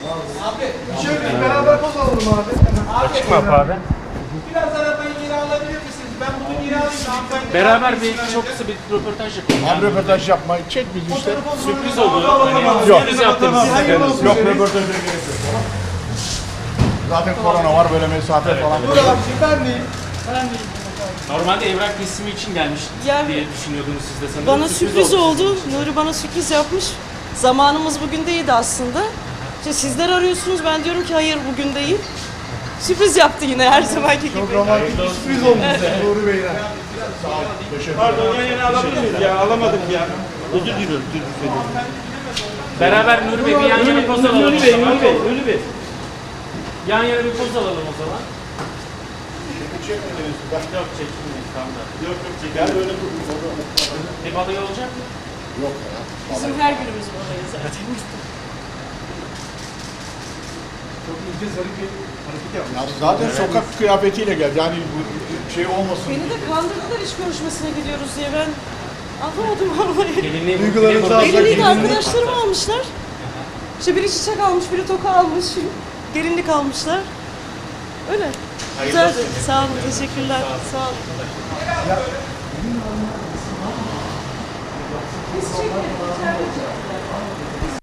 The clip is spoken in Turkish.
Abi, şöyle beraber poz alalım abi. Açık mı abi? Biraz arabayı geri alabilir misiniz? Ben bunu geri alayım. Hanımefendi. Beraber bir çok kısa bir röportaj yapalım. Hem röportaj yapma, çek bizi işte. Sürpriz oldu. Hani Yok. sürpriz yaptım size. Hayırlı olsun. Yok röportaja gerek yok. Zaten korona var, böyle mesafe falan. Dur abiciğim ben deyim. Normalde evrak teslimi için gelmiş Yani diye düşünüyordunuz siz de sanırım. bana sürpriz oldu. Nuri bana sürpriz yapmış. Zamanımız bugün değildi aslında. İşte sizler arıyorsunuz, ben diyorum ki hayır bugün değil. Sürpriz yaptı yine her zamanki gibi. Çok romantik bir sürpriz olmuş Nuri Bey'den. Pardon yan yana alabilir miyiz ya? Alamadık ya. Özür diliyorum. Beraber Nuri Bey bir yan yana poz alalım. Nuri Bey, Nuri Bey, Nuri Bey. Yan yana bir poz alalım o zaman. Çekmediniz. Yok çekilmeyiz tamam da. Yok yok çekin. Gel böyle dur. Bir balayı olacak mı? Yok ya. Bizim her günümüz buradayız zaten. Çok ince zarif bir hareket yapmış. Ya zaten sokak kıyafetiyle geldi. Yani bu şey olmasın. Beni de kandırdılar iş görüşmesine gidiyoruz diye, ben anlamadım vallahi. Gelinliği Duygularınızı burada- alsak- Gelinliği de arkadaşlarım almışlar. İşte biri çiçek almış, biri toka almış, gelinlik almışlar. Öyle. Güzeldi. Sağ olun, teşekkürler. Sağ olun. Biz çekmedik, içeride çektiler. Biz